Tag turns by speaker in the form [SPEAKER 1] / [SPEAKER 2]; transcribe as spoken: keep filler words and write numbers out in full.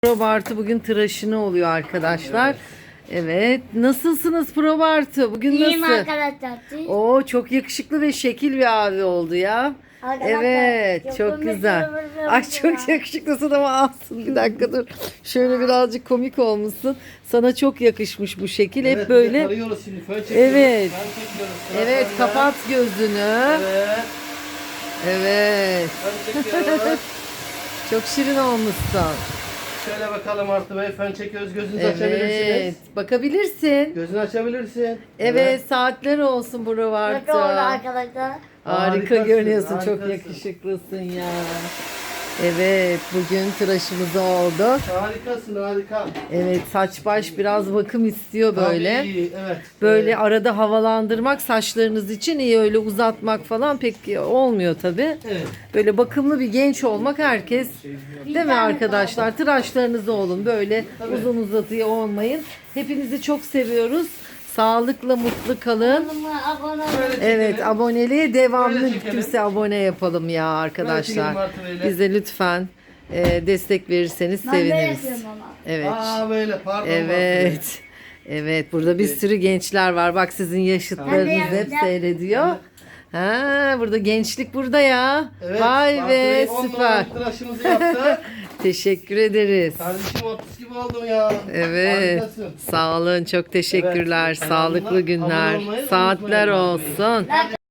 [SPEAKER 1] Probartı bugün tıraşını oluyor arkadaşlar. Evet. Nasılsınız Probartı? Bugün
[SPEAKER 2] İyiyim
[SPEAKER 1] nasıl?
[SPEAKER 2] arkadaşlar. Siz?
[SPEAKER 1] Oo, çok yakışıklı ve şekil bir abi oldu ya.
[SPEAKER 2] Arkadaşlar,
[SPEAKER 1] Evet,
[SPEAKER 2] çok
[SPEAKER 1] çok
[SPEAKER 2] komik
[SPEAKER 1] güzel.
[SPEAKER 2] bir
[SPEAKER 1] Ay
[SPEAKER 2] video
[SPEAKER 1] çok
[SPEAKER 2] var.
[SPEAKER 1] yakışıklısın ama alsın bir dakika dur. Şöyle birazcık komik olmuşsun. Sana çok yakışmış bu şekil. Hep
[SPEAKER 3] Evet,
[SPEAKER 1] böyle.
[SPEAKER 3] tarıyoruz şimdi, fön çekiyoruz.
[SPEAKER 1] Evet.
[SPEAKER 3] Fön çekiyoruz. Sıra
[SPEAKER 1] Evet,
[SPEAKER 3] sende.
[SPEAKER 1] kapat gözünü.
[SPEAKER 3] Evet.
[SPEAKER 1] Evet.
[SPEAKER 3] Fön çekiyoruz.
[SPEAKER 1] Çok şirin olmuşsun.
[SPEAKER 3] Şöyle bakalım Artı Bey. Fön çekiyoruz. Gözünüzü
[SPEAKER 1] Evet.
[SPEAKER 3] açabilirsiniz.
[SPEAKER 1] Bakabilirsin.
[SPEAKER 3] Gözünü açabilirsin.
[SPEAKER 1] Evet, saatler olsun
[SPEAKER 2] Çok
[SPEAKER 1] Probartı.
[SPEAKER 2] oldu arkadaşlar.
[SPEAKER 1] Harika
[SPEAKER 3] Harikasın,
[SPEAKER 1] görünüyorsun. Çok
[SPEAKER 3] harikasın.
[SPEAKER 1] yakışıklısın ya. Evet, bugün tıraşımız oldu.
[SPEAKER 3] Harikasın, harika.
[SPEAKER 1] Evet, saç baş biraz bakım istiyor böyle.
[SPEAKER 3] Tabii, evet.
[SPEAKER 1] Böyle
[SPEAKER 3] Evet.
[SPEAKER 1] arada havalandırmak saçlarınız için iyi, öyle uzatmak falan pek olmuyor tabii.
[SPEAKER 3] Evet.
[SPEAKER 1] Böyle bakımlı bir genç olmak herkes, değil mi arkadaşlar? Tıraşlarınızı olun, böyle uzun uzatıya olmayın. Hepinizi çok seviyoruz. Sağlıkla mutlu kalın.
[SPEAKER 2] Kanalıma abone olun.
[SPEAKER 3] Böyle çekelim.
[SPEAKER 1] Evet, aboneliğe devamlı
[SPEAKER 3] Böyle çekelim.
[SPEAKER 1] kimse abone yapalım ya
[SPEAKER 3] Böyle
[SPEAKER 1] arkadaşlar.
[SPEAKER 3] çekelim Artı Bey'le.
[SPEAKER 1] Bize lütfen e, destek verirseniz
[SPEAKER 2] Ben de
[SPEAKER 1] seviniriz.
[SPEAKER 2] yapıyorum ama.
[SPEAKER 1] Evet.
[SPEAKER 3] Aa böyle, pardon.
[SPEAKER 1] Evet. Evet, burada bir sürü gençler var. Bak, sizin yaşıtlarınız
[SPEAKER 2] Ben de
[SPEAKER 1] hep
[SPEAKER 2] yapacağım.
[SPEAKER 1] seyrediyor. Ha, burada gençlik burada ya.
[SPEAKER 3] Evet,
[SPEAKER 1] Vay
[SPEAKER 3] Artı
[SPEAKER 1] be,
[SPEAKER 3] Bey on
[SPEAKER 1] süper.
[SPEAKER 3] numara tıraşımızı yaptı.
[SPEAKER 1] Teşekkür ederiz.
[SPEAKER 3] Kardeşim otuz gibi oldum ya.
[SPEAKER 1] Evet.
[SPEAKER 3] Harikasın.
[SPEAKER 1] Sağ olun, çok teşekkürler.
[SPEAKER 3] Evet,
[SPEAKER 1] Sağlıklı
[SPEAKER 3] kanalına
[SPEAKER 1] günler.
[SPEAKER 3] abone olmayı
[SPEAKER 1] Saatler
[SPEAKER 3] unutmayın.
[SPEAKER 1] olsun.
[SPEAKER 2] Ben